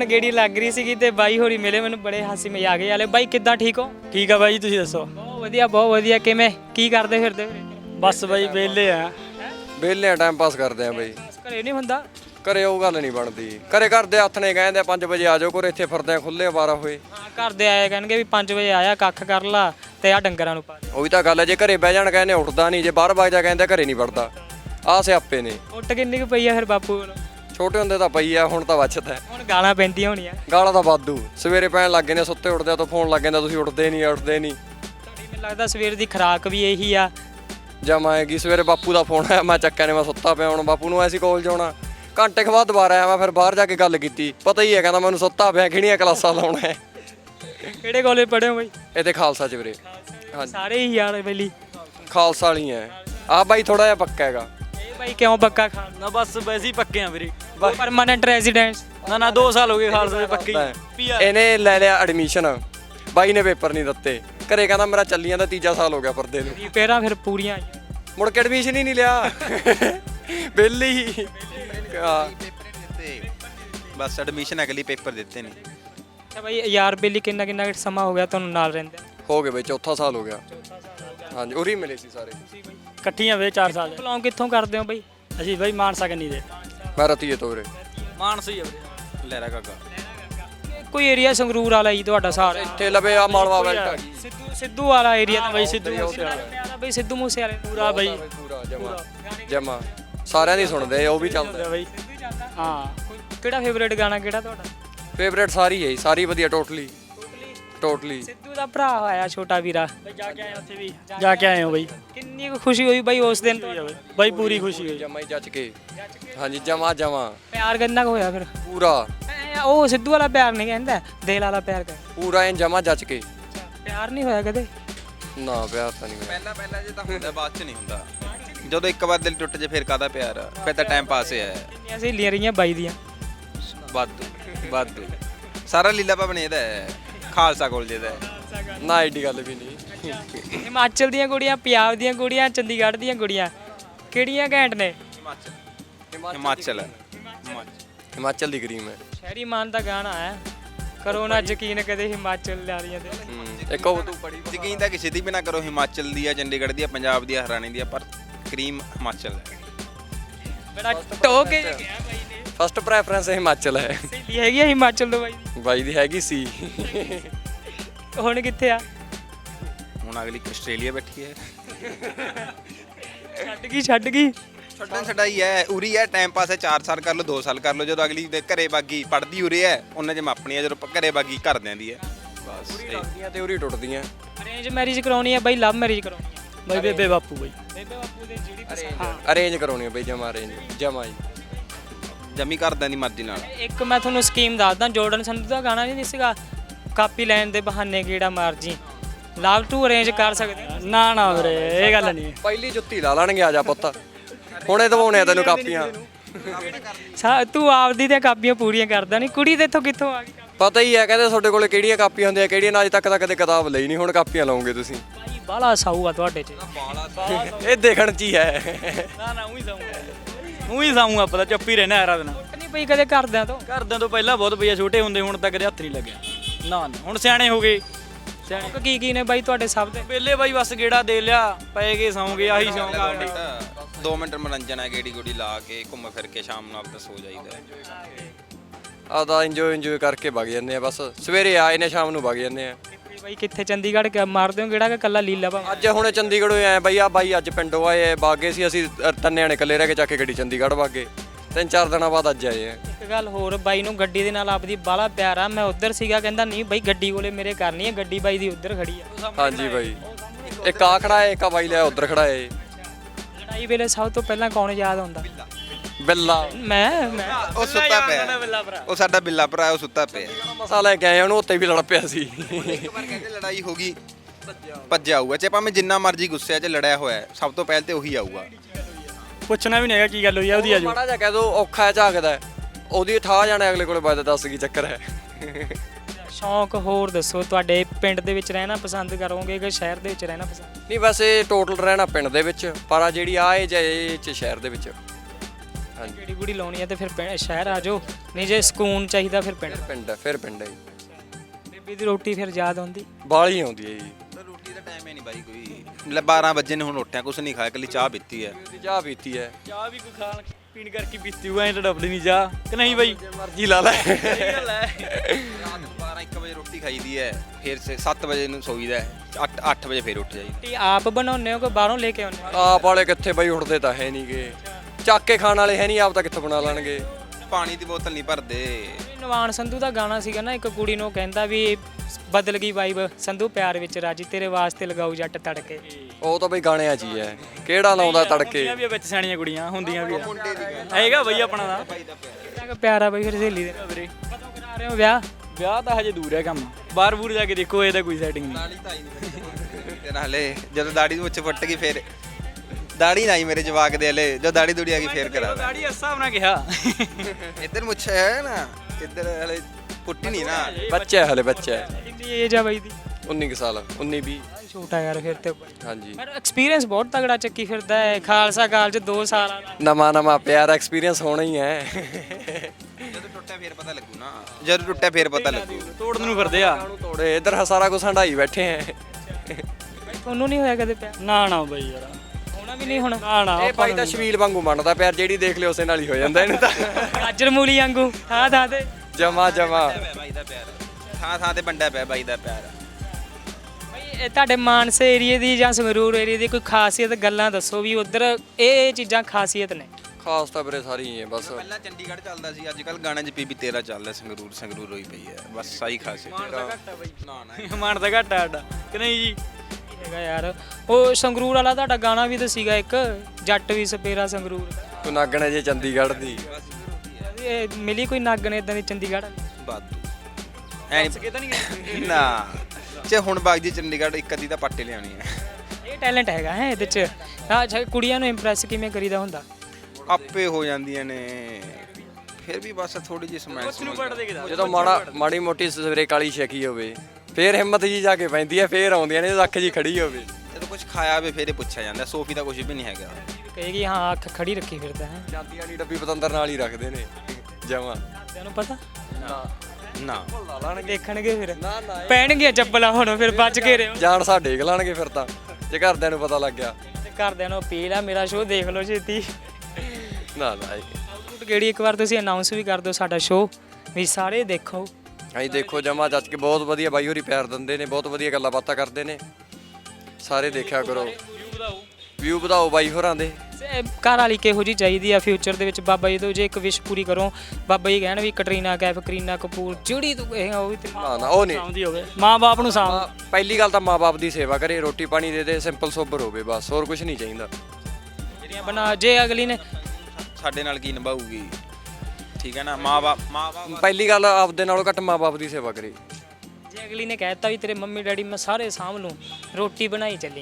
ਗੇੜੀ ਲੱਗ ਰਹੀ ਸੀਗੀ ਤੇ ਬਾਈ ਹੋਰੀ ਮਿਲੇ ਮੈਨੂੰ, ਬੜੇ ਹਾਸੀ ਮਜ਼ਾਕ ਵਾਲੇ। ਬਾਈ ਕਿੱਦਾਂ, ਠੀਕ ਹੋ? ਠੀਕ ਆ ਬਾਈ ਜੀ, ਤੁਸੀਂ ਦੱਸੋ? ਬਹੁਤ ਵਧੀਆ ਬਹੁਤ ਵਧੀਆ। ਕਿਵੇਂ ਕੀ ਕਰਦੇ ਫਿਰਦੇ ਵੀਰੇ? ਬਸ ਬਾਈ ਵਿਹਲੇ ਆ। ਵਿਹਲੇ ਆ, ਟਾਈਮ ਪਾਸ ਕਰਦੇ ਆ ਬਈ। ਘਰੇ ਨਹੀਂ ਹੁੰਦਾ? ਘਰੇ ਉਹ ਗੱਲ ਨਹੀਂ ਬਣਦੀ। ਘਰੇ ਘਰ ਦੇ ਹੱਥ ਨੇ ਕਹਿੰਦੇ 5 ਵਜੇ ਆ ਜਾਓ, ਕੋਰੇ ਇੱਥੇ ਫਿਰਦੇ ਆ ਖੁੱਲੇ 12 ਹੋਏ। ਹਾਂ, ਘਰ ਦੇ ਆਏ ਕਹਿਣਗੇ ਵੀ 5 ਵਜੇ ਆਇਆ, ਕੱਖ ਕਰ ਲਾ ਤੇ ਆ ਡੰਗਰਾਂ ਨੂੰ ਪਾ ਦੇ। ਉਹੀ ਤਾਂ ਗੱਲ ਹੈ, ਜੇ ਘਰੇ ਬਹਿ ਜਾਣ ਕਹਿੰਦੇ ਉੱਠਦਾ ਨਹੀਂ, ਜੇ ਬਾਹਰ ਵਗ ਜਾ ਕਹਿੰਦੇ ਘਰੇ ਨਹੀਂ ਵੜਦਾ। ਆਹ ਸਿਆਪੇ ਨੇ। ਉੱਟ ਕਿੰਨੀ ਕੁ ਪਈ ਆ ਫਿਰ ਬਾਪੂ ਕੋਲ? ਛੋਟੇ ਹੁੰਦੇ ਤਾਂ ਪਈ ਆ, ਹੁਣ ਤਾਂ ਬਚਦਾ। ਹੁਣ ਗਾਲਾਂ ਪੈਂਦੀਆਂ ਹੋਣੀਆਂ। ਗਾਲਾਂ ਤਾਂ ਵਾਧੂ। ਸਵੇਰੇ ਪੈਣ ਲੱਗ ਗਏ ਨੇ, ਸੁੱਤੇ ਉੱਠਦੇ ਤੋਂ ਫੋਨ ਲੱਗ ਜਾਂਦਾ, ਤੁਸੀਂ ਉੱਠਦੇ ਨਹੀਂ। ਤੁਹਾਡੀ ਮੈਨੂੰ ਲੱਗਦਾ ਸਵੇਰ ਦੀ ਖੁਰਾਕ ਵੀ ਇਹੀ ਆ। ਜਮ ਆਏਗੀ ਸਵੇਰੇ ਬਾਪੂ ਦਾ ਫੋਨ ਆਇਆ, ਮੈਂ ਚੱਕਿਆ ਨੇ, ਮੈਂ ਸੁੱਤਾ ਪਿਆ। ਹੁਣ ਬਾਪੂ ਨੂੰ ਐਸੀ ਕਾਲਜ ਆਉਣਾ, ਘੰਟੇ ਕੁ ਬਾਅਦ ਦੁਬਾਰਾ ਆਇਆ। ਮੈਂ ਫਿਰ ਬਾਹਰ ਜਾ ਕੇ ਗੱਲ ਕੀਤੀ, ਪਤਾ ਹੀ ਹੈ ਕਹਿੰਦਾ ਮੈਨੂੰ ਸੁੱਤਾ ਪਿਆ, ਕਿਹੜੀਆਂ ਕਲਾਸਾਂ ਲਾਉਣਾ ਹੈ। ਕਿਹੜੇ ਕਾਲਜ ਪੜ੍ਹੇ ਹੋ ਬਾਈ? ਇੱਥੇ ਖਾਲਸਾ ਚ ਵੀਰੇ। ਹਾਂਜੀ, ਸਾਰੇ ਹੀ ਯਾਰ ਬੇਲੀ ਖਾਲਸਾ ਵਾਲੀ ਹੈ। ਆਹ ਬਾਈ ਥੋੜਾ ਜਿਹਾ ਪੱਕਾ ਹੈਗਾ। ਇਹ ਬਾਈ ਕਿਉਂ ਪੱਕਾ ਖਾਨ? ਨਾ ਬਸ ਵੈਸੇ ਹੀ ਪੱਕੇ ਆ ਵੀਰੇ। Permanent residence? ਨਾ 2 ਸਾਲ ਹੋ ਗਏ ਖਾਲਸਾ ਦੇ ਪੱਕੇ ਹੀ। ਇਹਨੇ ਲੈ ਲਿਆ ਐਡਮਿਸ਼ਨ, ਬਾਈ ਨੇ ਪੇਪਰ ਨਹੀਂ ਦਿੱਤੇ। ਘਰੇ ਕਹਿੰਦਾ ਮੇਰਾ ਚੱਲੀਆਂ ਦਾ 3 ਸਾਲ ਹੋ ਗਿਆ ਪਰਦੇ ਨੂੰ। ਪੇਪਰਾਂ ਫਿਰ ਪੂਰੀਆਂ ਆਈਆਂ। ਮੁੜ ਕੇ ਐਡਮਿਸ਼ਨ ਹੀ ਨਹੀਂ ਲਿਆ, ਵਿਹਲੀ। ਬਸ ਐਡਮਿਸ਼ਨ ਅਗਲੀ ਪੇਪਰ ਦਿੱਤੇ ਨੇ। ਅੱਛਾ ਬਾਈ, ਯਾਰ ਬੇਲੀ ਕਿੰਨਾ ਕਿੰਨਾ ਸਮਾਂ ਹੋ ਗਿਆ ਤੁਹਾਨੂੰ ਨਾਲ ਰਹਿੰਦੇ? ਹੋ ਗਏ ਬਈ, ਚੌਥਾ ਸਾਲ ਹੋ ਗਿਆ। ਹਾਂਜੀ, ਉਰੀ ਮਿਲੇ ਸੀ ਸਾਰੇ। ਇਕੱਠੀਆਂ ਵੇ 4 ਸਾਲ। ਬਿਲੋਂਗ ਕਿੱਥੋਂ ਕਰਦੇ ਹੋ ਬਾਈ? ਅਸੀਂ ਬਾਈ ਮਾਨਸਾ ਕੰਨੀ ਦੇ। ਮੈਂ ਰਤੀਏ ਤੋਂ ਵੀਰੇ। ਮਾਨਸਾ ਹੀ ਆ ਵੀਰੇ। ਲਹਿਰਾ ਕਾਕਾ ਕੋਈ ਏਰੀਆ ਸੰਗਰੂਰ ਵਾਲਾ ਜੀ ਤੁਹਾਡਾ ਸਾਰਾ? ਇੱਥੇ ਲਵੇ ਆ ਮਾਲਵਾ ਬੈਲਟ ਆ ਗਈ। ਸਿੱਧੂ ਵਾਲਾ ਏਰੀਆ ਤਾਂ ਬਾਈ ਸਿੱਧੂ ਬਾਈ ਸਿੱਧੂ ਮੂਸੇ ਵਾਲੇ ਪੂਰਾ ਬਾਈ। ਪੂਰਾ ਜਮਾ ਸਾਰਿਆਂ ਦੀ ਸੁਣਦੇ, ਉਹ ਵੀ ਚੱਲਦਾ ਬਾਈ। ਹਾਂ। ਕਿਹੜਾ ਫੇਵਰੇਟ ਗਾਣਾ ਕਿਹੜਾ ਤੁਹਾਡਾ? ਫੇਵਰੇਟ ਸਾਰੀ ਹੈ, ਸਾਰੀ ਵਧੀਆ। ਟੋਟਲੀ ਸਿੱਧੂ ਦਾ ਭਰਾ ਆਇਆ ਛੋਟਾ ਵੀਰਾ, ਬਾਈ ਜਾ ਕੇ ਆਏ ਉੱਥੇ ਵੀ। ਜਾ ਕੇ ਆਏ ਹੋ ਬਾਈ। ਕਿੰਨੀ ਕੁ ਖੁਸ਼ੀ ਹੋਈ ਬਾਈ ਉਸ ਦਿਨ? ਬਾਈ ਪੂਰੀ ਖੁਸ਼ੀ ਹੋਈ। ਜਮਾ ਹੀ ਜੱਜ ਕੇ। ਹਾਂਜੀ, ਜਮਾ ਪਿਆਰ ਕਿੰਨਾ ਕੁ ਹੋਇਆ ਫਿਰ? ਪੂਰਾ। ਉਹ ਸਿੱਧੂ ਵਾਲਾ ਪਿਆਰ ਨਹੀਂ ਕਹਿੰਦਾ, ਦਿਲ ਵਾਲਾ ਪਿਆਰ ਕਹਿੰਦਾ। ਪੂਰਾ ਐਂ ਜਮਾ ਜੱਜ ਕੇ। ਪਿਆਰ ਨਹੀਂ ਹੋਇਆ ਕਦੇ? ਨਾ, ਪਿਆਰ ਤਾਂ ਨਹੀਂ ਹੋਇਆ। ਪਹਿਲਾਂ ਜੇ ਤਾਂ ਹੁੰਦਾ, ਬਾਅਦ ਚ ਨਹੀਂ ਹੁੰਦਾ। ਜਦੋਂ ਇੱਕ ਵਾਰ ਦਿਲ ਟੁੱਟ ਜੇ ਫਿਰ ਕਾਹਦਾ ਪਿਆਰ, ਫਿਰ ਤਾਂ ਟਾਈਮ ਪਾਸ ਹੈ। ਕਿੰਨੀਆਂ ਸਹੇਲੀਆਂ ਰਹੀਆਂ ਬਾਈ ਦੀਆਂ? ਵਾਧੂ ਸਾਰਾ ਲੀਲਾ ਭਵਨ ਇਹਦਾ ਹੈ, ਖਾਲਸਾ ਕਾਲਜ ਦਾ ਹੈ। ਨਾ ਐਡੀ ਗੱਲ ਵੀ ਨਹੀਂ। ਹਿਮਾਚਲ ਦੀਆਂ ਕੁੜੀਆਂ, ਪੰਜਾਬ ਦੀਆਂ ਕੁੜੀਆਂ, ਚੰਡੀਗੜ੍ਹ ਦੀਆਂ ਕੁੜੀਆਂ ਕਿਹੜੀਆਂ ਘੈਂਟ ਨੇ? ਹਿਮਾਚਲ ਹਿਮਾਚਲ ਦੀ ਕਰੀਮ ਹੈ। ਸ਼ਹਿਰੀ ਮਾਨ ਦਾ ਗਾਣਾ ਹੈ, ਕਰੋ ਨਾ ਯਕੀਨ ਕਦੇ ਹਿਮਾਚਲ ਵਾਲੀਆਂ ਤੇ। ਇੱਕ ਉਹ ਤੂੰ ਪੜੀ ਯਕੀਨ ਤਾਂ ਕਿਸੇ ਦੀ ਵੀ ਨਾ ਕਰੋ, ਹਿਮਾਚਲ ਦੀ ਆ, ਚੰਡੀਗੜ੍ਹ ਦੀ ਆ, ਪੰਜਾਬ ਦੀ ਆ, ਹਰਿਆਣੇ ਦੀ ਆ, ਪਰ ਕਰੀਮ ਹਿਮਾਚਲ ਹੈ। ਬੜਾ ਟੋਕੇ ਜਿਹਾ ਗਿਆ ਬਾਈ ਨੇ। ਫਸਟ ਪ੍ਰੈਫਰੈਂਸ ਹਿਮਾਚਲ ਹੈ। ਸਹੇਲੀ ਹੈਗੀ ਆ ਹਿਮਾਚਲ ਤੋਂ ਬਾਈ ਦੀ? ਬਾਈ ਦੀ ਹੈਗੀ ਸੀ। ਹੁਣ ਕਿੱਥੇ ਆ? ਹੁਣ ਅਗਲੀ ਆਸਟ੍ਰੇਲੀਆ ਬੈਠੀ ਹੈ। ਛੱਡ ਗਈ। ਛੱਡਣ ਛਡਾਈ ਹੈ, ਉਰੀ ਹੈ, ਟਾਈਮ ਪਾਸ ਹੈ। 4 ਸਾਲ ਕਰ ਲਓ, 2 ਸਾਲ ਕਰ ਲਓ। ਜਦੋਂ ਅਗਲੀ ਦੇ ਘਰੇ ਬਾਗੀ ਪੜਦੀ ਉਰੇ ਹੈ, ਉਹਨਾਂ ਚ ਆਪਣੀ ਹੈ। ਜਦੋਂ ਘਰੇ ਬਾਗੀ ਘਰ ਦਿੰਦੀ ਹੈ, ਬਸ ਲੱਗਦੀਆਂ ਤੇ ਉਰੀ ਟੁੱਟਦੀਆਂ। ਅਰੇਂਜ ਮੈਰਿਜ ਕਰਾਉਣੀ ਹੈ ਬਾਈ, ਲਵ ਮੈਰਿਜ ਕਰਾਉਣੀ ਹੈ? ਬਾਈ ਬੇਬੇ ਬਾਪੂ ਬਾਈ। ਬੇਬੇ ਬਾਪੂ ਦੇ ਜਿਹੜੀ ਅਰੇਂਜ ਕਰਾਉਣੀ ਹੈ ਬਈ, ਜਮਾ ਅਰੇਂਜ ਜਮਾ ਜੀ। ਜਮੀ ਕਰਦਿਆਂ ਦੀ ਮਰਜ਼ੀ ਨਾਲ। ਇੱਕ ਮੈਂ ਤੁਹਾਨੂੰ ਸਕੀਮ ਦੱਸਦਾ, ਜੋਰਡਨ ਸੰਧੂ ਦਾ ਗਾਣਾ ਨਹੀਂ ਸੀਗਾ, ਕਾਪੀ ਲੈਣ ਦੇ ਬਹਾਨੇ ਕਿਹੜਾ ਮਾਰ ਜੀ, ਲਵ ਟੂ ਅਰੇਂਜ ਕਰ ਸਕਦੇ ਹੋ? ਨਾ ਵੀਰੇ, ਇਹ ਗੱਲ ਨਹੀਂ। ਪਹਿਲੀ ਜੁੱਤੀ ਲਾ ਲੈਣਗੇ, ਆ ਜਾ ਪੁੱਤ, ਹੁਣੇ ਦਵਾਉਣੇ ਆ ਤੈਨੂੰ ਕਾਪੀਆਂ। ਤੂੰ ਆਪਦੀ ਤੇ ਕਾਪੀਆਂ ਪੂਰੀਆਂ ਕਰਦਾ ਨਹੀਂ, ਕੁੜੀ ਤੇ ਇੱਥੋਂ ਕਿੱਥੋਂ ਆ ਗਈ? ਪਤਾ ਹੀ ਹੈ, ਕਹਿੰਦੇ ਤੁਹਾਡੇ ਕੋਲੇ ਕਿਹੜੀਆਂ ਕਾਪੀਆਂ ਹੁੰਦੀਆਂ, ਕਿਹੜੀਆਂ ਨਾ। ਅੱਜ ਤੱਕ ਤਾਂ ਕਦੇ ਕਿਤਾਬ ਲਈ ਨਹੀਂ, ਹੁਣ ਕਾਪੀਆਂ ਲਾਉਂਗੇ ਤੁਸੀਂ। ਬਾਈ ਬਾਲਾ ਸਾਊ ਆ ਤੁਹਾਡੇ 'ਚ। ਇਹ ਦੇਖਣ 'ਚ ਹੀ ਹੈ। ਨਾ ਉਹੀ ਸਾਊਂਗਾ, ਪਤਾ ਚੱਪੀ ਰਹਿਣਾ ਸਾਰਾ ਦਿਨ। ਨਹੀਂ ਪਈ ਕਦੇ ਘਰਦਿਆਂ ਤੋਂ? ਘਰਦਿਆਂ ਤੋਂ ਪਹਿਲਾਂ ਬਹੁਤ ਪਈਆ, ਛੋਟੇ ਹੁੰਦੇ, ਹੁਣ ਤੱਕ ਕਦੇ ਹੱਥ ਨਹੀਂ ਲੱਗਿਆ। ਨਾ ਹੁਣ ਸਿਆਣੇ ਹੋ ਗਏ। ਸਿਆਣੇ ਕੀ ਨੇ ਬਾਈ ਤੁਹਾਡੇ ਸਭ ਦੇ? ਵੇਲੇ ਬਾਈ ਬਸ ਗੇੜਾ ਦੇ ਲਿਆ, ਪਏ ਗਏ, ਸੌਂ ਗਏ, ਆਹੀ ਸ਼ੌਂਕ ਆ ਸਾਡੇ। 2 ਮਿੰਟ ਮਨੋਰੰਜਨ ਹੈ, ਗੇੜੀ ਗੂੜੀ ਲਾ ਕੇ ਘੁੰਮ ਫਿਰ ਕੇ ਸ਼ਾਮ ਨੂੰ ਆਪਦਾ ਸੋ ਜਾਈਦਾ। ਆਦਾ ਇੰਜੋਏ ਕਰਕੇ ਵਗ ਜਾਂਦੇ ਆ। ਬਸ ਸਵੇਰੇ ਆਏ ਨੇ, ਸ਼ਾਮ ਨੂੰ ਵਗ ਜਾਂਦੇ ਆ। ਬਾਈ ਕਿੱਥੇ ਚੰਡੀਗੜ੍ਹ ਮਾਰਦੇ ਹੋ ਕਿਹੜਾ ਕਿ ਕੱਲਾ ਲੀਲਾ ਭਾ? ਅੱਜ ਹੁਣੇ ਚੰਡੀਗੜ੍ਹੋਂ ਆਏ ਬਾਈ। ਆ ਬਾਈ ਅੱਜ ਪਿੰਡੋਂ ਆਏ, ਬਾਗੇ ਸੀ ਅਸੀਂ ਤੰਨਿਆਂ ਨੇ ਇਕੱਲੇ ਰਹਿ ਕੇ ਚੱਕ ਕੇ ਗੱਡੀ ਚੰਡੀਗੜ੍ਹ ਵਾਗੇ। 3-4 ਦਿਨਾਂ ਬਾਅਦ ਅੱਜ ਆਏ ਆ। ਇੱਕ ਗੱਲ ਹੋਰ, ਬਾਈ ਨੂੰ ਗੱਡੀ ਦੇ ਨਾਲ ਆਪਦੀ ਬਾਲਾ ਪਿਆਰ ਆ। ਮੈਂ ਉੱਧਰ ਸੀਗਾ, ਕਹਿੰਦਾ ਨਹੀਂ ਬਾਈ ਗੱਡੀ ਕੋਲੇ ਮੇਰੇ ਘਰ ਨਹੀਂ ਹੈ, ਗੱਡੀ ਬਾਈ ਦੀ ਉੱਧਰ ਖੜੀ ਆ। ਹਾਂਜੀ ਬਾਈ, ਇੱਕ ਆ ਖੜਾ ਹੈ, ਇੱਕ ਆ ਬਾਈ ਲਿਆ ਉੱਧਰ ਖੜਾ ਹੈ। ਲੜਾਈ ਵੇਲੇ ਸਭ ਤੋਂ ਪਹਿਲਾਂ ਕੌਣ ਯਾਦ ਆਉਂਦਾ? ਬਿੱਲਾ। ਮੈਂ ਉਹ ਸੁੱਤਾ ਪਿਆ, ਉਹ ਸਾਡਾ ਬਿੱਲਾ ਭਰਾ, ਉਹ ਸੁੱਤਾ ਪਿਆ। ਮਸਾ ਲੈ ਕੇ ਆਏ, ਉਹਨੂੰ ਉੱਤੇ ਵੀ ਲੜ ਪਿਆ ਸੀ। ਇੱਕ ਵਾਰ ਕਹਿੰਦੇ ਲੜਾਈ ਹੋ ਗਈ, ਭੱਜਿਆ ਆਊਗਾ। ਚਾਹੇ ਭਾਵੇਂ ਜਿੰਨਾ ਮਰਜ਼ੀ ਗੁੱਸੇ 'ਚ ਲੜਿਆ ਹੋਇਆ, ਸਭ ਤੋਂ ਪਹਿਲ ਤੇ ਉਹੀ ਆਊਗਾ। ਪੁੱਛਣਾ ਵੀ ਨਹੀਂ ਹੈਗਾ ਕੀ ਗੱਲ ਹੋਈ ਆ ਉਹਦੀ। ਆਜੋ ਮਾੜਾ ਜਿਹਾ ਕਹਿ ਦੋ, ਔਖਾ ਹੈ, ਝਾਕਦਾ, ਉਹਦੀ ਠਾਹ ਜਾਣਾ ਅਗਲੇ ਕੋਲੇ ਵੱਜ। ਦੱਸ ਕੀ ਚੱਕਰ ਹੈ। ਸ਼ੌਂਕ ਹੋਰ ਦੱਸੋ, ਤੁਹਾਡੇ ਪਿੰਡ ਦੇ ਵਿੱਚ ਰਹਿਣਾ ਪਸੰਦ ਕਰੋਗੇ ਕਿ ਸ਼ਹਿਰ ਦੇ ਵਿੱਚ ਰਹਿਣਾ ਪਸੰਦ? ਨਹੀਂ ਵੈਸੇ ਟੋਟਲ ਰਹਿਣਾ ਪਿੰਡ ਦੇ ਵਿੱਚ, ਪਰ ਆ ਜਿਹੜੀ ਆ ਏਜ ਹੈ ਇਹ 'ਚ ਸ਼ਹਿਰ ਦੇ ਵਿੱਚ। ਹਾਂਜੀ ਕਿਹੜੀ ਗੁੜੀ ਲਾਉਣੀ ਹੈ ਤੇ ਫਿਰ ਸ਼ਹਿਰ ਆ ਜਾਓ, ਨਹੀਂ ਜੇ ਸਕੂਨ ਚਾਹੀਦਾ ਫਿਰ ਪਿੰਡ। ਫਿਰ ਪਿੰਡ ਹੈ ਜੀ। ਬੇਬੀ ਦੀ ਰੋਟੀ ਫਿਰ ਯਾਦ ਆਉਂਦੀ। ਬਾਲੀ ਆਉਂਦੀ ਹੈ ਜੀ। ਰੋਟੀ ਦਾ ਟਾਈਮ ਹੀ ਨਹੀਂ ਬਾਈ ਕੋਈ 12 ਵਜੇ ਨੇ ਹੁਣ ਉੱਠਿਆ ਕੁਛ ਨਹੀਂ ਖਾਇਆ, ਇਕੱਲੀ ਚਾਹ ਪੀਤੀ ਹੈ। ਉਹਦੀ ਚਾਹ ਪੀਤੀ ਹੈ। ਚਾਹ ਵੀ ਕੋਈ ਖਾਣ ਪੀਣ ਕਰਕੇ ਪੀਤੀ ਹੋਇਆ, ਐਂ ਤਾਂ ਡੱਬਦੀ ਨਹੀਂ ਚਾਹ ਕਿ ਨਹੀਂ ਬਾਈ? ਮਰਜ਼ੀ ਲਾ ਲੈ। ਸਹੀ ਗੱਲ ਹੈ। ਰਾਤ ਨੂੰ 12-1 ਵਜੇ ਰੋਟੀ ਖਾਈਦੀ ਹੈ, ਫਿਰ 7 ਵਜੇ ਨੂੰ ਸੌਈਦਾ, 8 ਵਜੇ ਫਿਰ ਉੱਠ ਜਾਈਦਾ। ਰੋਟੀ ਆਪ ਬਣਾਉਂਦੇ ਹੋ ਕਿ ਬਾਹਰੋਂ ਲੈ ਕੇ ਆਉਂਦੇ ਹੋ? ਆਪ ਵਾਲੇ ਕਿੱਥੇ ਬਈ ਉੱਠਦੇ ਤਾਂ ਹੈ ਨਹੀਂਗੇ, ਚੱਕ ਕੇ ਖਾਣ ਵਾਲੇ ਹੈ ਨਹੀਂ, ਆਪ ਤਾਂ ਕਿੱਥੋਂ ਬਣਾ ਲੈਣਗੇ। ਪਾਣੀ ਦੀ ਬੋਤਲ ਨਹੀਂ ਭਰਦੇ। ਨਵਾਨ ਸੰਧੂ ਦਾ ਗਾਣਾ ਸੀਗਾ ਨਾ, ਇੱਕ ਕੁੜੀ ਨੂੰ ਕਹਿੰਦਾ ਵੀ ਬਦਲ ਗਈ ਵਾਈਬ, ਸੰਧੂ ਪਿਆਰ ਵਿੱਚ ਰਾਜੀ, ਤੇਰੇ ਵਾਸਤੇ ਲਗਾਉ ਜੱਟ ਤੜਕੇ। ਉਹ ਤਾਂ ਬਈ ਗਾਣਿਆਂ 'ਚ ਹੀ ਹੈ, ਕਿਹੜਾ ਲਾਉਂਦਾ ਤੜਕੇ। ਹੁੰਦੀਆਂ ਵੀ ਆ ਵਿੱਚ ਸਿਆਣੀਆਂ ਕੁੜੀਆਂ, ਹੁੰਦੀਆਂ ਵੀ ਆ। ਹੈਗਾ ਬਈ ਆਪਣਾ ਦਾ ਕਿੰਨਾ ਕੁ ਪਿਆਰ ਆ ਬਈ ਫਿਰ ਸਹੇਲੀ ਦੇ ਨਾਲ? ਵੀਰੇ। ਕਦੋਂ ਕਰਾ ਰਹੇ ਹੋ ਵਿਆਹ? ਵਿਆਹ ਤਾਂ ਹਜੇ ਦੂਰ ਹੈ ਕੰਮ, ਬਾਹਰ ਬੂਰ ਜਾ ਕੇ ਦੇਖੋ, ਇਹਦਾ ਕੋਈ ਸੈਟਿੰਗ ਨਹੀਂ। ਦਾੜੀ ਤਾਂ ਆਈ ਨਹੀਂ ਤੇ ਨਾਲੇ ਜਦੋਂ ਦਾੜੀ ਦੀ ਮੁੱਛ ਫੁੱਟ ਗਈ ਫਿਰ ਦਾੜੀ ਨਹੀਂ ਮੇਰੇ ਜਵਾਕ ਦੇ ਹਲੇ, ਜਦੋਂ ਦਾੜੀ ਦੂੜੀ ਆ ਗਈ ਫਿਰ ਕਰਾ ਦਾਂ। ਗਾੜੀ ਇਸ ਹਿਸਾਬ ਨਾਲ ਕਿਹਾ। ਇੱਧਰ ਮੁੱਛ ਹੈ ਨਾ, ਇੱਧਰ ਹਲੇ ਪੁੱਟੀ ਨਹੀਂ ਨਾ। ਬੱਚਾ ਹੈ ਹਲੇ, ਬੱਚਾ ਹੈ। ਕਿੰਨੀ ਏਜ ਆ ਬਈ ਦੀ? 19 ਸਾਲ, 19-20। ਛੋਟਾ ਯਾਰ ਫਿਰ ਤੇ। ਹਾਂਜੀ ਪਰ ਐਕਸਪੀਰੀਅੰਸ ਬਹੁਤ ਤਗੜਾ ਚੱਕੀ ਫਿਰਦਾ ਹੈ, ਖਾਲਸਾ ਕਾਲਜ 2 ਸਾਲਾਂ ਦਾ। ਨਵਾਂ ਪਿਆਰ ਐਕਸਪੀਰੀਅੰਸ ਹੋਣਾ ਹੀ ਹੈ। ਜਦੋਂ ਟੁੱਟਿਆ ਫਿਰ ਪਤਾ ਲੱਗੂ ਨਾ, ਜਦੋਂ ਟੁੱਟਿਆ ਫਿਰ ਪਤਾ ਲੱਗੂ। ਤੋੜਨ ਨੂੰ ਫਿਰਦੇ ਆ। ਕਾਹਨੂੰ ਤੋੜੇ, ਇੱਧਰ ਸਾਰਾ ਕੁਝ ਹੰਡਾਈ ਬੈਠੇ ਹੈ। ਬਈ ਤੁਹਾਨੂੰ ਨਹੀਂ ਹੋਇਆ ਕਦੇ ਪਿਆਰ? ਨਾ ਬਈ ਯਾਰ, ਹੋਣਾ ਵੀ ਨਹੀਂ ਹੁਣ। ਨਾ ਇਹ ਭਾਈ ਤਾਂ ਸ਼ਵੀਲ ਵਾਂਗੂ ਮੰਨਦਾ ਪਿਆਰ, ਜਿਹੜੀ ਦੇਖ ਲਿਓ ਉਸੇ ਨਾਲ ਹੀ ਹੋ ਜਾਂਦਾ ਇਹਨੂੰ ਤਾਂ। ਗਾਜਰ ਮੂਲੀ ਵਾਂਗੂ ਥਾਂ ਥਾਂ ਤੇ। ਜਮਾ ਬਾਈ ਦਾ ਪਿਆਰ ਥਾਂ ਥਾਂ ਤੇ ਵੰਡਿਆ ਪਿਆ ਬਾਈ ਦਾ ਪਿਆਰ। ਬਈ ਇਹ ਤੁਹਾਡੇ ਮਾਨਸੇ ਏਰੀਏ ਦੀ ਜਾਂ ਸੰਗਰੂਰ ਏਰੀਏ ਦੀ ਕੋਈ ਖਾਸੀਅਤ ਗੱਲਾਂ ਦੱਸੋ ਵੀ ਉਧਰ ਇਹ ਚੀਜ਼ਾਂ ਖਾਸੀਅਤ ਨੇ। ਖਾਸ ਤਾਂ ਵੀਰੇ ਸਾਰੀ ਹੀ ਹੈ ਬਸ। ਪਹਿਲਾਂ ਚੰਡੀਗੜ੍ਹ ਚੱਲਦਾ ਸੀ, ਅੱਜ ਕੱਲ ਗਾਣੇ 'ਚ ਪੀਪੀ 13 ਚੱਲਦਾ, ਸੰਗਰੂਰ ਹੋਈ ਪਈ ਹੈ, ਬਸ ਸਾਈ ਖਾਸੇ। ਮਾਨ ਦਾ ਘੱਟ ਆ ਬਈ, ਨਾ ਮਾਨ ਦਾ ਘੱਟ ਆ ਸਾਡਾ ਕਿ ਨਹੀਂ ਜੀ? ਹੈਗਾ ਯਾਰ ਉਹ ਸੰਗਰੂਰ ਵਾਲਾ ਤੁਹਾਡਾ ਗਾਣਾ ਵੀ ਤਾਂ ਸੀਗਾ ਇੱਕ, ਜੱਟ ਵੀ ਸਪੇਰਾ ਸੰਗਰੂਰ। ਤੂੰ ਨਾਗਣੇ ਜੇ ਚੰਡੀਗੜ੍ਹ ਦੀ। ਇਹ ਮਿਲੀ ਕੋਈ ਨਾਗਣ ਇਦਾਂ ਦੀ ਚੰਡੀਗੜ੍ਹ ਵਾਲੀ? ਬਾਦੂ ਐ ਸਕੇ ਤਾਂ ਨਹੀਂ ਨਾ ਜੇ ਹੁਣ ਬਾਗ ਜੀ ਚੰਡੀਗੜ੍ਹ ਇੱਕ ਅੱਧੀ ਤਾਂ ਪੱਟੇ ਲਿਆਉਣੀ ਹੈ। ਇਹ ਟੈਲੈਂਟ ਹੈਗਾ ਹੈ ਇਹਦੇ ਚ। ਅੱਛਾ ਕੁੜੀਆਂ ਨੂੰ ਇੰਪ੍ਰੈਸ ਕਿਵੇਂ ਕਰੀਦਾ ਹੁੰਦਾ? ਆਪੇ ਹੋ ਜਾਂਦੀਆਂ ਨੇ, ਫਿਰ ਵੀ ਬਸ ਥੋੜੀ ਜਿਹੀ ਸਮਾਇਸ ਨੂੰ ਪੜਦੇ ਕਿਦਾ ਜਦੋਂ ਮਾੜੀ ਮੋਟੀ ਸਵੇਰੇ ਕਾਲੀ ਛਕੀ ਹੋਵੇ, ਫੇਰ ਹਿੰਮਤ ਜੀ ਜਾ ਕੇ ਪੈਂਦੀ ਹੈ, ਫੇਰ ਆਉਂਦੀਆਂ ਨੇ, ਅੱਖ ਜੀ ਖੜੀ ਹੋਵੇ। ਜਦੋਂ ਕੁਝ ਖਾਇਆ ਹੋਵੇ ਫਿਰ ਇਹ ਪੁੱਛਿਆ ਜਾਂਦਾ, ਸੋਫੀ ਦਾ ਕੁਝ ਵੀ ਨਹੀਂ ਹੈਗਾ। ਕਹੇਗੀ ਹਾਂ ਅੱਖ ਖੜੀ ਰੱਖੀ ਫਿਰਦਾ ਹੈ। ਚਾਂਦੀ ਵਾਲੀ ਡੱਬੀ ਪਤੰਦਰ ਨਾਲ ਹੀ ਰੱਖਦੇ ਨੇ ਜਮਾ। ਤੈਨੂੰ ਪਤਾ ਨਾ ਦੇਖਣਗੇ ਫਿਰ ਪੈਣਗੀਆਂ ਚੱਪਲਾਂ, ਹੁਣ ਫਿਰ ਬਚ ਕੇ ਰਹੋ। ਜਾਣ ਸਾ ਡੇਗ ਲਾਣਗੇ ਫਿਰ ਤਾਂ, ਜੇ ਘਰਦਿਆਂ ਨੂੰ ਪਤਾ ਲੱਗ ਗਿਆ। ਤੇ ਘਰਦਿਆਂ ਨੂੰ ਅਪੀਲ ਆ, ਮੇਰਾ ਸ਼ੋਅ ਦੇਖ ਲਓ ਛੇਤੀ। ਨਾ ਆਊਟਪੁੱਟ ਕਿਹੜੀ ਇੱਕ ਵਾਰ ਤੁਸੀਂ ਅਨਾਉਂਸ ਵੀ ਕਰ ਦਿਓ ਸਾਡਾ ਸ਼ੋਅ, ਵੀ ਸਾਰੇ ਦੇਖੋ। ਅਸੀਂ ਦੇਖੋ ਜਮਾ ਜੱਜ ਕੇ ਬਹੁਤ ਵਧੀਆ ਬਾਈ ਹੋਰੀ ਪਿਆਰ ਦਿੰਦੇ ਨੇ, ਬਹੁਤ ਵਧੀਆ ਗੱਲਾਂ ਬਾਤਾਂ ਕਰਦੇ ਨੇ, ਸਾਰੇ ਦੇਖਿਆ ਕਰੋ। ਵਿਊ ਵਧਾਓ ਬਾਈ ਹੋਰਾਂ ਦੇ। ਘਰ ਵਾਲੀ ਕਿਹੋ ਜੀ ਚਾਹੀਦੀ ਆ ਫਿਊਚਰ ਦੇ ਵਿੱਚ? ਬਾਬਾ ਜੀ ਤੋਂ ਜੇ ਇੱਕ ਵਿਸ਼ ਪੂਰੀ ਕਰੋ, ਬਾਬਾ ਜੀ ਕਹਿਣ ਵੀ ਕਟਰੀਨਾ ਕੈਫ, ਕਰੀਨਾ ਕਪੂਰ, ਜਿਹੜੀ ਤੂੰ ਇਹ ਉਹ ਵੀ ਤੇ ਨਾ ਉਹ ਨਹੀਂ। ਸਾਂਭਦੀ ਹੋਵੇ ਮਾਂ-ਬਾਪ ਨੂੰ ਸਾਂਭ। ਪਹਿਲੀ ਗੱਲ ਤਾਂ ਮਾਂ-ਬਾਪ ਦੀ ਸੇਵਾ ਕਰੇ, ਰੋਟੀ ਪਾਣੀ ਦੇ ਦੇ, ਸਿੰਪਲ ਸੋਬਰ ਹੋਵੇ ਬਸ, ਹੋਰ ਕੁਝ ਨਹੀਂ ਚਾਹੀਦਾ। ਜਿਹੜੀਆਂ ਬਣਾ ਜੇ ਅਗਲੀ ਨੇ ਸਾਡੇ ਨਾਲ ਕੀ ਨਿਭਾਊਗੀ, ਠੀਕ ਹੈ ਨਾ। ਮਾਂ-ਬਾਪ ਪਹਿਲੀ ਗੱਲ ਆਪਦੇ ਨਾਲੋਂ ਘੱਟ ਮਾਂ-ਬਾਪ ਦੀ ਸੇਵਾ ਕਰੇ। ਜੇ ਅਗਲੀ ਨੇ ਕਹਿਤਾ ਵੀ ਤੇਰੇ ਮੰਮੀ ਡੈਡੀ ਮੈਂ ਸਾਰੇ ਸਾਂਭ ਲੂੰ, ਰੋਟੀ ਬਣਾਈ ਚੱਲੀ,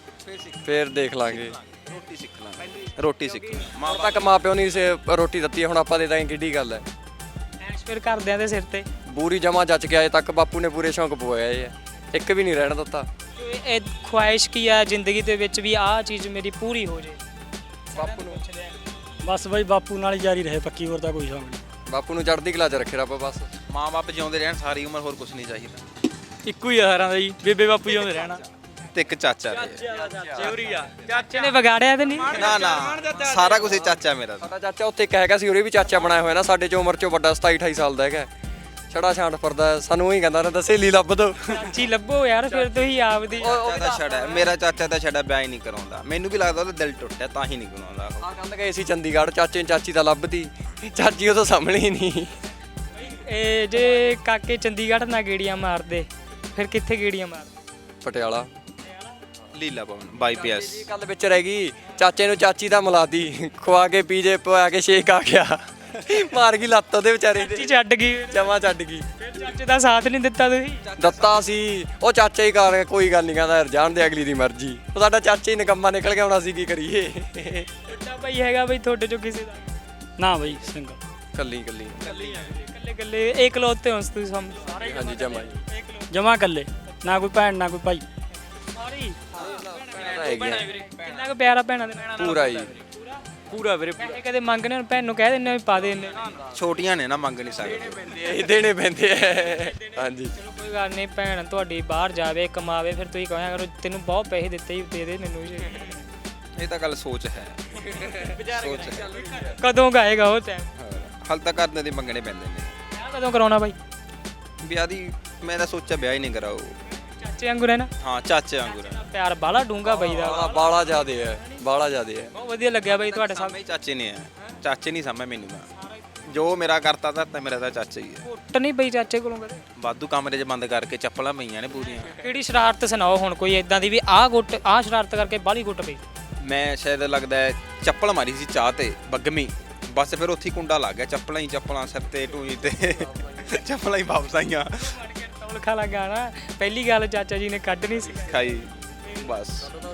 ਫੇਰ ਦੇਖ ਲਾਂਗੇ। ਰੋਟੀ ਸਿੱਖ ਲਾਂਗੇ, ਰੋਟੀ ਸਿੱਖ ਲਾਂਗੇ। ਹੁਣ ਤੱਕ ਮਾਪਿਓ ਨਹੀਂ ਰੋਟੀ ਦਿੱਤੀ, ਹੁਣ ਆਪਾਂ ਦੇ ਦਾਂਗੇ, ਕਿੱਡੀ ਗੱਲ ਹੈ। ਐਸ਼ ਫਿਰ ਘਰਦਿਆਂ ਦੇ ਸਿਰ ਤੇ। ਪੂਰੀ ਜਮਾ ਜੱਜ ਕੇ ਆਏ ਤੱਕ ਬਾਪੂ ਨੇ ਪੂਰੇ ਸ਼ੌਂਕ ਪਵਾਏ ਆ, ਇੱਕ ਵੀ ਨਹੀਂ ਰਹਿਣ ਦਿੱਤਾ। ਇਹ ਖੁਆਇਸ਼ ਕੀ ਆ ਜ਼ਿੰਦਗੀ ਦੇ ਵਿੱਚ ਵੀ ਆਹ ਚੀਜ਼ ਮੇਰੀ ਪੂਰੀ ਹੋ ਜੇ? ਬਾਪੂ ਨੂੰ ਬਸ ਬਾਈ ਬਾਪੂ ਨਾਲ ਹੀ ਜਾਰੀ ਰਹੇ ਪੱਕੀ, ਹੋਰ ਤਾਂ ਕੋਈ ਸ਼ੌਂਕ ਨਹੀਂ। ਬਾਪੂ ਨੂੰ ਚੜ੍ਹਦੀ ਕਲਾ 'ਚ ਰੱਖੇ ਰੱਬ ਬਸ। ਮਾਂ-ਬਾਪ ਜਿਉਂਦੇ ਰਹਿਣ ਸਾਰੀ ਉਮਰ, ਹੋਰ ਕੁਝ ਨਹੀਂ ਚਾਹੀਦਾ। ਇੱਕੋ ਹੀ ਆ ਸਾਰਿਆਂ ਦਾ ਜੀ, ਬੇਬੇ ਬਾਪੂ ਜਿਉਂਦੇ ਰਹਿਣਾ। ਤੇ ਇੱਕ ਚਾਚਾ ਰਹੇ। ਚੋਰੀ ਆ ਚਾਚੇ ਨੇ ਵਿਗਾੜਿਆ ਤੇ ਨਹੀਂ? ਨਾ ਸਾਰਾ ਕੁਝ ਚਾਚਾ ਮੇਰਾ। ਸਾਡਾ ਚਾਚਾ ਉੱਥੇ ਇੱਕ ਹੈਗਾ ਸੀ, ਉਹਦੇ ਵੀ ਚਾਚਾ ਬਣਾਇਆ ਹੋਇਆ ਨਾ, ਸਾਡੇ 'ਚ ਉਮਰ 'ਚੋਂ ਵੱਡਾ 27-28 ਸਾਲ ਦਾ ਹੈਗਾ, ਛੜਾ ਛਾਂਟ ਫਿਰਦਾ, ਸਾਨੂੰ ਉਹੀ ਕਹਿੰਦਾ ਰਹਿੰਦਾ ਸਹੇਲੀ ਲੱਭ ਦੋ। ਚਾਚੀ ਲੱਭੋ ਯਾਰ ਫਿਰ ਤੁਸੀਂ ਆਪਦੀ। ਚਾਚਾ ਦਾ ਛੜਾ, ਮੇਰਾ ਚਾਚਾ ਦਾ ਛੜਾ ਵਿਆਹ ਹੀ ਨਹੀਂ ਕਰਾਉਂਦਾ, ਮੈਨੂੰ ਵੀ ਲੱਗਦਾ ਉਹਦਾ ਦਿਲ ਟੁੱਟਿਆ ਤਾਂ ਹੀ ਨਹੀਂ ਕਰਾਉਂਦਾ ਉਹ। ਆ ਕੰਦ ਗਏ ਸੀ ਚੰਡੀਗੜ੍ਹ, ਚਾਚੇ ਚਾਚੀ ਤਾਂ ਲੱਭਦੀ, ਚਾਚੀ ਉਹ ਤਾਂ ਸਾਹਮਣੇ ਹੀ ਨਹੀਂ। ਇਹ ਜੇ ਕਾਕੇ ਚੰਡੀਗੜ੍ਹ ਨਾ ਗੇੜੀਆਂ ਮਾਰਦੇ ਫਿਰ ਕਿੱਥੇ ਗੇੜੀਆਂ ਮਾਰਦੇ? ਪਟਿਆਲਾ ਲੀਲਾ ਭਵਨ ਬਾਈਪੀਐਸ। ਇਹ ਗੱਲ ਵਿੱਚ ਰਹਿ ਗਈ, ਚਾਚੇ ਨੂੰ ਚਾਚੀ ਦਾ ਮਿਲਾਦੀ, ਖਵਾ ਕੇ ਪੀਜੇ ਪਵਾ ਕੇ ਸ਼ੇਕ ਆ ਗਿਆ, ਮਾਰ ਗਈ ਲੱਤ ਉਹਦੇ ਵਿਚਾਰੇ ਚਾਚੀ ਦੇ, ਛੱਡ ਗਈ, ਜਮਾ ਛੱਡ ਗਈ। ਫਿਰ ਚਾਚੇ ਦਾ ਸਾਥ ਨਹੀਂ ਦਿੱਤਾ ਤੁਸੀਂ? ਦਿੱਤਾ ਸੀ ਉਹ ਚਾਚਾ ਹੀ ਕਰ, ਕੋਈ ਗੱਲ ਨਹੀਂ ਕਹਿੰਦਾ ਯਾਰ ਜਾਣ ਦੇ ਅਗਲੀ ਦੀ ਮਰਜ਼ੀ, ਉਹ ਸਾਡਾ ਚਾਚਾ ਹੀ ਨਿਕੰਮਾ ਨਿਕਲ ਗਿਆ, ਹੁਣ ਅਸੀਂ ਕੀ ਕਰੀਏ। ਤੁਹਾਡਾ ਭਾਈ ਹੈਗਾ ਬਈ ਤੁਹਾਡੇ ਚੋਂ ਕਿਸੇ ਦਾ? ਨਾ ਬਈ ਸਿੰਗਲ ਕੱਲੀ ਕੱਲੀ ਇਕੱਲੇ ਇਕੱਲੇ ਇਕਲੌਤੇ ਹੋ ਤੁਸੀਂ ਸਾਰੇ? ਹਾਂਜੀ ਜਮਾ ਜੀ। ਜਮਾ ਇਕੱਲੇ, ਨਾ ਕੋਈ ਭੈਣ ਨਾ ਕੋਈ ਭਾਈ। ਸਾਰੀ ਹੈਗੀ ਆ। ਕਿੰਨਾ ਕੁ ਪਿਆਰਾ ਭੈਣਾਂ ਦੇ ਨਾਲ? ਪੂਰਾ ਜੀ। ਪੂਰਾ ਵੀਰੇ ਪੂਰਾ। ਪੈਸੇ ਕਦੇ ਮੰਗਣੇ ਹੁਣ ਭੈਣ ਨੂੰ ਕਹਿ ਦਿੰਦੇ ਵੀ ਪਾ ਦੇ ਇੰਨੇ ਛੋਟੀਆਂ ਨੇ ਨਾ, ਮੰਗ ਨਹੀਂ ਸਕਦੇ। ਇਹ ਦੇਣੇ ਪੈਂਦੇ ਆ ਹਾਂਜੀ। ਚਲੋ ਕੋਈ ਗੱਲ ਨਹੀਂ, ਭੈਣ ਤੁਹਾਡੀ ਬਾਹਰ ਜਾਵੇ ਕਮਾਵੇ, ਫਿਰ ਤੁਸੀਂ ਕਹਿਆ ਕਰੋ ਤੈਨੂੰ ਬਹੁਤ ਪੈਸੇ ਦਿੱਤੇ ਹੀ ਦੇ ਦੇ ਮੈਨੂੰ ਵੀ। ਇਹ ਤਾਂ ਗੱਲ ਸੋਚ ਹੈ, ਸੋਚ ਹੈ। ਕਦੋਂ ਗਾਏਗਾ ਉਹ ਟਾਈਮ? ਹਾਲ ਤੱਕ ਘਰਦਿਆਂ ਦੇ ਮੰਗਣੇ ਪੈਂਦੇ ਨੇ। ਵਿਆਹ ਕਦੋਂ ਕਰਾਉਣਾ ਬਾਈ? ਵਿਆਹ ਦੀ ਮੈਂ ਤਾਂ ਸੋਚਿਆ ਵਿਆਹ ਹੀ ਨਹੀਂ ਕਰਾਓ। ਚਾਚੇ ਵਾਂਗੂ ਰਹਿਣਾ। ਹਾਂ, ਚਾਚੇ ਵਾਂਗੂ ਰਹਿਣਾ। ਪਿਆਰ ਬਾਲਾ ਡੂੰਗਾ ਬਾਈ ਦਾ। ਬਾਲਾ ਜ਼ਿਆਦੇ ਹੈ, ਬਾਲਾ ਜ਼ਿਆਦੇ ਹੈ। ਬਹੁਤ ਵਧੀਆ ਲੱਗਿਆ ਬਾਈ ਤੁਹਾਡੇ ਸਾਹਮਣੇ। ਸਾਹਮਣੇ ਚਾਚੇ ਨੇ ਆ, ਚਾਚੇ ਨਹੀਂ ਸਾਹਮਣੇ ਮੈਨੂੰ ਤਾਂ ਜੋ ਮੇਰਾ ਕਰਤਾ ਤਾਂ ਮੇਰਾ ਤਾਂ ਚਾਚਾ ਹੀ ਹੈ। ਕੁੱਟ ਨਹੀਂ ਪਈ ਚਾਚੇ ਕੋਲੋਂ ਕਦੇ? ਵਾਧੂ ਕਮਰੇ 'ਚ ਬੰਦ ਕਰਕੇ ਚੱਪਲਾਂ ਪਈਆਂ ਨੇ ਪੂਰੀਆਂ। ਕਿਹੜੀ ਸ਼ਰਾਰਤ ਸੁਣਾਓ ਹੁਣ ਕੋਈ ਇਦਾਂ ਦੀ ਵੀ ਆਹ ਸ਼ਰਾਰਤ ਕਰਕੇ ਬਾਹਲੀ ਕੁੱਟ ਪਈ? ਮੈਂ ਸ਼ਾਇਦ ਲੱਗਦਾ ਹੈ ਚੱਪਲ ਮਾਰੀ ਸੀ ਚਾਹ ਤੇ ਬੱਗਮੀ, ਬਸ ਫਿਰ ਉੱਥੇ ਹੀ ਕੁੰਡਾ ਲੱਗ ਗਿਆ। ਚੱਪਲਾਂ ਹੀ ਚੱਪਲਾਂ ਸਿਰ ਤੇ ਟੂਈ ਤੇ ਚੱਪਲਾਂ ਹੀ ਵਾਪਸ ਆਈਆਂ। ਤੌਲ ਖਾ ਲੱਗਾ ਨਾ, ਪਹਿਲੀ ਗੱਲ ਚਾਚਾ ਜੀ ਨੇ ਕੱਢ ਨਹੀਂ ਸੀ ਖਾਈ ਬਸ।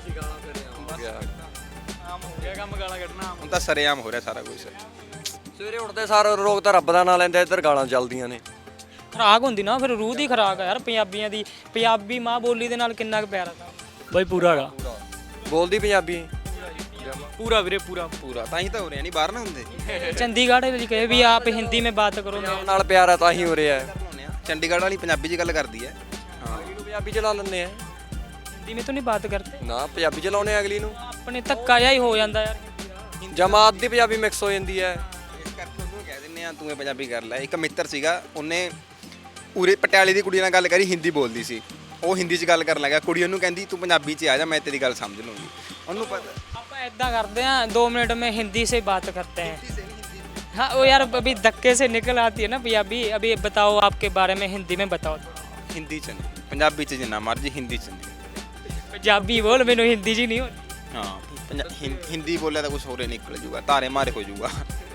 ਆਮ ਹੋ ਗਿਆ ਕੰਮ, ਗਾਲਾਂ ਕੱਢਣਾ। ਹੁਣ ਤਾਂ ਸਰੇਆਮ ਹੋ ਰਿਹਾ ਸਾਰਾ ਕੁਝ। ਸਵੇਰੇ ਉੱਠਦੇ ਸਾਰ ਲੋਕ ਤਾਂ ਰੱਬ ਦਾ ਨਾਂ ਲੈਂਦੇ, ਇੱਧਰ ਗਾਲਾਂ ਚੱਲਦੀਆਂ ਨੇ। ਖੁਰਾਕ ਹੁੰਦੀ ਨਾ, ਫਿਰ ਰੂਹ ਦੀ ਖੁਰਾਕ ਆ ਯਾਰ ਪੰਜਾਬੀਆਂ ਦੀ। ਪੰਜਾਬੀ ਮਾਂ ਬੋਲੀ ਦੇ ਨਾਲ ਕਿੰਨਾ ਕੁ ਪਿਆਰ ਆ। ਬਾਈ ਪੂਰਾ ਹੈਗਾ, ਬੋਲਦੀ ਪੰਜਾਬੀ ਪੂਰਾ ਵੀਰੇ ਪੂਰਾ। ਪੂਰਾ ਤਾਂ ਹੀ ਤਾਂ ਹੋ ਰਿਹਾ, ਨਹੀਂ ਬਾਹਰ ਨਾ ਹੁੰਦੇ। ਚੰਡੀਗੜ੍ਹ ਵਿੱਚ ਕਹੇ ਵੀ ਆਪ ਹਿੰਦੀ ਮੇਂ ਬਾਤ ਕਰੋ। ਨਾਲ ਪਿਆਰ ਹੈ ਤਾਂ ਹੀ ਹੋ ਰਿਹਾ ਹੈ। ਚੰਡੀਗੜ੍ਹ ਵਾਲੀ ਪੰਜਾਬੀ 'ਚ ਗੱਲ ਕਰਦੀ ਹੈ। ਹਾਂ, ਪੰਜਾਬੀ ਚਲਾ ਲੈਂਦੇ ਆ हिंदी में तो नहीं बात करते ਨਾ, ਪੰਜਾਬੀ ਚਲਾਉਣੇ ਆ ਅਗਲੀ ਨੂੰ। अपने धक्का जिहा ही हो जाता यार हिंदी दा। ਜਮਾਤ ਦੀ ਪੰਜਾਬੀ ਮਿਕਸ ਹੋ ਜਾਂਦੀ ਹੈ। ਇਸ ਕਰਕੇ ਉਹਨੂੰ ਕਹਿ ਦਿੰਦੇ ਆ ਤੂੰ ਇਹ ਪੰਜਾਬੀ ਕਰ ਲੈ। ਇੱਕ ਮਿੱਤਰ ਸੀਗਾ, ਉਹਨੇ ਉਰੇ ਪਟਿਆਲੇ ਦੀ ਕੁੜੀ ਨਾਲ ਗੱਲ ਕਰੀ, ਹਿੰਦੀ ਬੋਲਦੀ ਸੀ। ਉਹ ਹਿੰਦੀ 'ਚ ਗੱਲ ਕਰਨ ਲੱਗਾ, ਕੁੜੀ ਉਹਨੂੰ ਕਹਿੰਦੀ ਤੂੰ ਪੰਜਾਬੀ 'ਚ ਆ ਜਾ, ਮੈਂ ਤੇਰੀ ਗੱਲ ਸਮਝ ਲੂੰਗੀ। ਉਹਨੂੰ ਪਤਾ आप ऐदा करते हैं 2 मिनट में हिंदी से बात करते हैं। हाँ वो यार अभी धक्के से निकल आती है ना पंजाबी। अभी बताओ आपके बारे में हिंदी में बताओ। ਹਿੰਦੀ 'ਚ ਨਹੀਂ, ਪੰਜਾਬੀ 'ਚ ਜਿੰਨਾ ਮਰਜੀ, ਹਿੰਦੀ 'ਚ ਨਹੀਂ। पंजाबी बोल मैनू हिंदी जी नहीं होती। ਹਾਂ, ਹਿੰਦੀ ਬੋਲਿਆ ਤਾਂ ਕੁਝ ਹੋਰ ਹੀ ਨਿਕਲ ਜੂਗਾ, ਤਾਰੇ ਮਾਰੇ ਹੋ ਜੂਗਾ।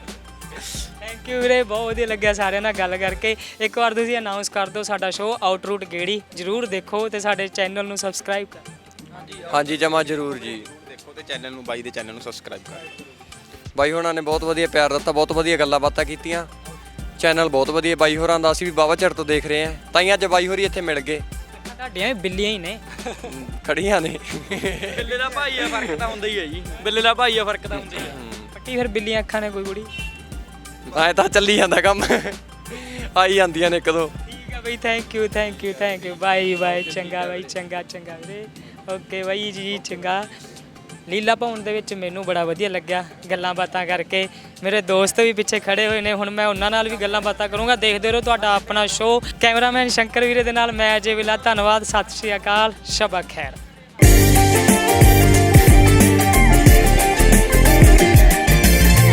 ਥੈਂਕ ਯੂ ਵੀਰੇ, ਬਹੁਤ ਵਧੀਆ ਲੱਗਿਆ ਸਾਰਿਆਂ ਨਾਲ ਗੱਲ ਕਰਕੇ। ਇੱਕ ਵਾਰ ਤੁਸੀਂ ਅਨਾਉਂਸ ਕਰ ਦਿਓ ਸਾਡਾ ਸ਼ੋਅ ਆਊਟਰੂਟ ਗੇੜੀ ਜ਼ਰੂਰ ਦੇਖੋ ਤੇ ਸਾਡੇ ਚੈਨਲ ਨੂੰ ਸਬਸਕ੍ਰਾਈਬ ਕਰੋ। ਹਾਂਜੀ ਜਮਾ ਜ਼ਰੂਰ ਜੀ। ਦੇਖੋ ਤੇ ਚੈਨਲ ਨੂੰ, ਬਾਈ ਦੇ ਚੈਨਲ ਨੂੰ ਸਬਸਕ੍ਰਾਈਬ ਕਰੋ। ਬਾਈ ਹੋਰਾਂ ਨੇ ਬਹੁਤ ਵਧੀਆ ਪਿਆਰ ਦਿੱਤਾ, ਬਹੁਤ ਵਧੀਆ ਗੱਲਾਂ ਬਾਤਾਂ ਕੀਤੀਆਂ। ਚੈਨਲ ਬਹੁਤ ਵਧੀਆ ਬਾਈ ਹੋਰਾਂ ਦਾ, ਅਸੀਂ ਵੀ ਬਾਵਾ ਚਿਰ ਤੋਂ ਦੇਖ ਰਹੇ ਹਾਂ, ਤਾਂ ਹੀ ਅੱਜ ਬਾਈ ਹੋਰੀ ਇੱਥੇ ਮਿਲ ਗਏ। ਤੁਹਾਡੀਆਂ ਵੀ ਬਿੱਲੀਆਂ ਹੀ ਨੇ। ਖੜੀਆਂ ਨੇ। ਬਿੱਲੇ ਦਾ ਭਾਈ ਆ, ਫਰਕ ਤਾਂ ਹੁੰਦਾ ਹੀ ਹੈ ਜੀ। ਬਿੱਲੇ ਦਾ ਭਾਈ ਆ, ਫਰਕ ਤਾਂ ਹੁੰਦਾ ਹੀ ਆ। ਪੱਟੀ ਫਿਰ ਬਿੱਲੀਆਂ ਅੱਖਾਂ ਨੇ ਕੋਈ ਕੁੜੀ। ਐ ਤਾਂ ਚੱਲੀ ਜਾਂਦਾ ਕੰਮ, ਆਈ ਜਾਂਦੀਆਂ ਨੇ ਇੱਕ ਦੋ। ਠੀਕ ਹੈ ਬਈ, thank you thank you thank you. Bye bye, ਚੰਗਾ ਬਾਈ, ਚੰਗਾ ਚੰਗਾ ਵੀਰੇ। ਓਕੇ ਬਾਈ ਜੀ, ਚੰਗਾ। ਲੀਲਾ ਭਵਨ ਦੇ ਵਿੱਚ ਮੈਨੂੰ ਬੜਾ ਵਧੀਆ ਲੱਗਿਆ ਗੱਲਾਂ ਬਾਤਾਂ ਕਰਕੇ। ਮੇਰੇ ਦੋਸਤ ਵੀ ਪਿੱਛੇ ਖੜੇ ਹੋਏ ਨੇ, ਹੁਣ ਮੈਂ ਉਹਨਾਂ ਨਾਲ ਵੀ ਗੱਲਾਂ ਬਾਤਾਂ ਕਰੂੰਗਾ। ਦੇਖਦੇ ਰਹੋ ਤੁਹਾਡਾ ਆਪਣਾ ਸ਼ੋਅ। ਕੈਮਰਾਮੈਨ ਸ਼ੰਕਰ ਵੀਰੇ ਦੇ ਨਾਲ ਮੈਂ ਅਜੇ ਵਿਲਾ। ਧੰਨਵਾਦ, ਸਤਿ ਸ਼੍ਰੀ ਅਕਾਲ, ਸ਼ਬਾ ਖੈਰ।